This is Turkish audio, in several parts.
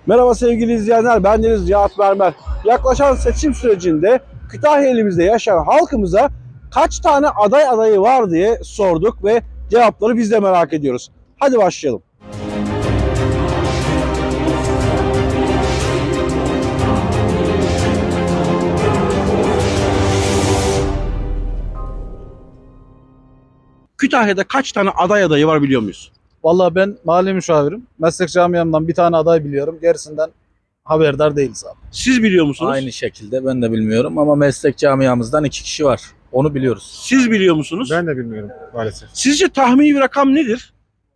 Merhaba sevgili izleyenler, bendeniz Cihat Mermer. Yaklaşan seçim sürecinde Kütahya ilimizde yaşayan halkımıza kaç tane aday adayı var diye sorduk ve cevapları biz de merak ediyoruz. Hadi başlayalım. Kütahya'da kaç tane aday adayı var biliyor muyuz? Vallahi ben mahalle müşavirim. Meslek camiamdan bir tane aday biliyorum. Gerisinden haberdar değiliz abi. Siz biliyor musunuz? Aynı şekilde ben de bilmiyorum ama meslek camiamızdan 2 kişi var. Onu biliyoruz. Siz biliyor musunuz? Ben de bilmiyorum maalesef. Sizce tahmini bir rakam nedir?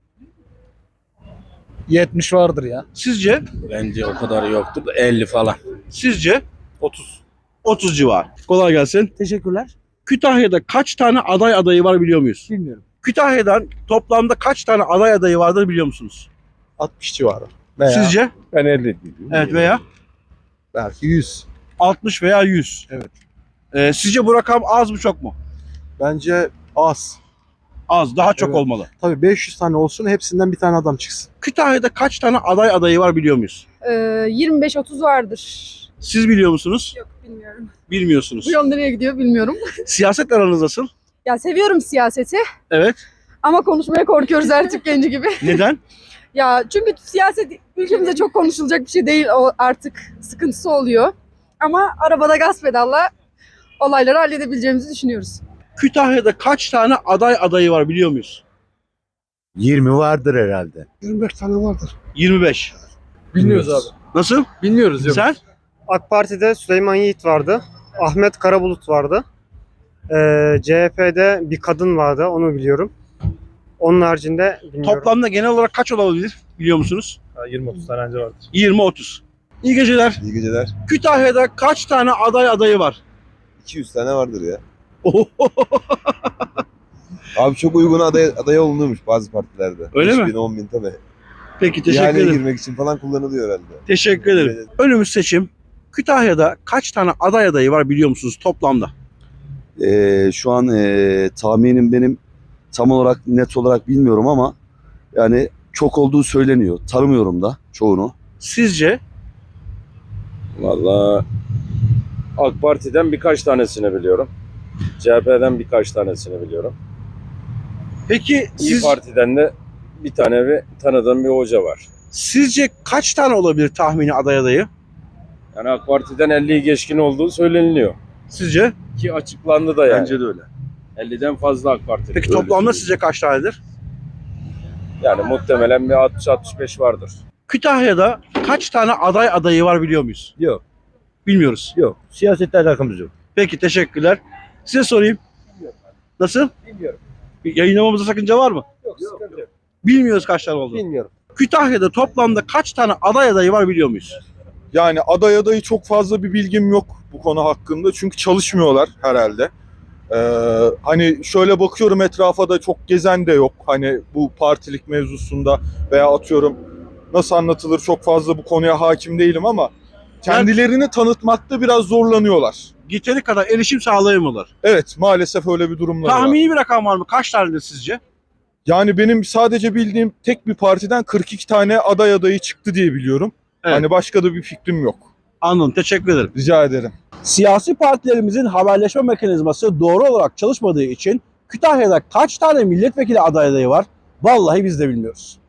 70 vardır ya. Sizce? Bence o kadar yoktur da 50 falan. Sizce? 30. 30 civar. Kolay gelsin. Teşekkürler. Kütahya'da kaç tane aday adayı var biliyor muyuz? Bilmiyorum. Kütahya'dan toplamda kaç tane aday adayı vardır biliyor musunuz? 60 civarı. Sizce? Ben 50 diyorum. Evet, veya Belki 100. 60 veya 100. Evet. Sizce bu rakam az mı çok mu? Bence az. Az, daha çok Evet. olmalı. Tabii 500 tane olsun, hepsinden bir tane adam çıksın. Kütahya'da kaç tane aday adayı var biliyor muyuz? 25-30 vardır. Siz biliyor musunuz? Yok, bilmiyorum. Bilmiyorsunuz. Bu yol nereye gidiyor bilmiyorum. Siyaset aranız nasıl? Ya seviyorum siyaseti Evet. ama konuşmaya korkuyoruz her Türk genci gibi. Neden? Ya çünkü siyaset ülkemizde çok konuşulacak bir şey değil, o artık sıkıntısı oluyor. Ama arabada gaz pedalla olayları halledebileceğimizi düşünüyoruz. Kütahya'da kaç tane aday adayı var biliyor muyuz? 20 vardır herhalde. 25 tane vardır. 25. Bilmiyoruz abi. Nasıl? Bilmiyoruz yok. Sen? AK Parti'de Süleyman Yiğit vardı. Ahmet Karabulut vardı. CHP'de bir kadın vardı, onu biliyorum. Onun haricinde bilmiyorum. Toplamda genel olarak kaç olabilir biliyor musunuz? 20-30 tane önce vardır. 20-30. İyi geceler. İyi geceler. Kütahya'da kaç tane aday adayı var? 200 tane vardır ya. Abi çok uygun aday olunuyormuş bazı partilerde. Öyle mi? 5.000, 10.000 tabii. Peki, teşekkür İhaleye ederim. girmek için falan kullanılıyor herhalde. Teşekkür ederim. Önümüz seçim. Kütahya'da kaç tane aday adayı var biliyor musunuz toplamda? Şu an tahminim benim tam olarak net olarak bilmiyorum ama yani çok olduğu söyleniyor. Tanımıyorum da çoğunu. Sizce? Vallahi AK Parti'den birkaç tanesini biliyorum. CHP'den birkaç tanesini biliyorum. Peki İyi Parti'den de bir tane tanıdığım bir hoca var. sizce kaç tane olabilir tahmini aday adayı? Yani AK Parti'den 50'yi geçkin olduğu söyleniliyor. Sizce? Ki açıklandı da yani. Bence de öyle. 50'den fazla AK Parti. Peki toplamda sizce kaç tanedir? Yani muhtemelen bir 60-65 vardır. Kütahya'da kaç tane aday adayı var biliyor muyuz? Yok. Bilmiyoruz. Yok. Siyasetle alakamız yok. Peki, teşekkürler. Size sorayım. Nasıl? Bilmiyorum. Yayınlamamıza sakınca var mı? Yok, sıkıntı yok. Bilmiyoruz kaç tane olduğunu. Bilmiyorum. Kütahya'da toplamda kaç tane aday adayı var biliyor muyuz? Yani adayı çok fazla bir bilgim yok bu konu hakkında. Çünkü çalışmıyorlar herhalde. Hani şöyle bakıyorum etrafa da çok gezen de yok. Hani bu partilik mevzusunda veya atıyorum nasıl anlatılır çok fazla bu konuya hakim değilim ama kendilerini tanıtmakta biraz zorlanıyorlar. Yeteri kadar erişim sağlayamıyorlar. Evet, maalesef öyle bir durumlar var. Tahmini bir rakam var mı? Kaç tanedir sizce? Yani benim sadece bildiğim tek bir partiden 42 tane adayı çıktı diye biliyorum. Evet. Hani başka da bir fikrim yok. Anladım. Teşekkür ederim. Rica ederim. Siyasi partilerimizin haberleşme mekanizması doğru olarak çalışmadığı için Kütahya'da kaç tane milletvekili adayı var? Vallahi biz de bilmiyoruz.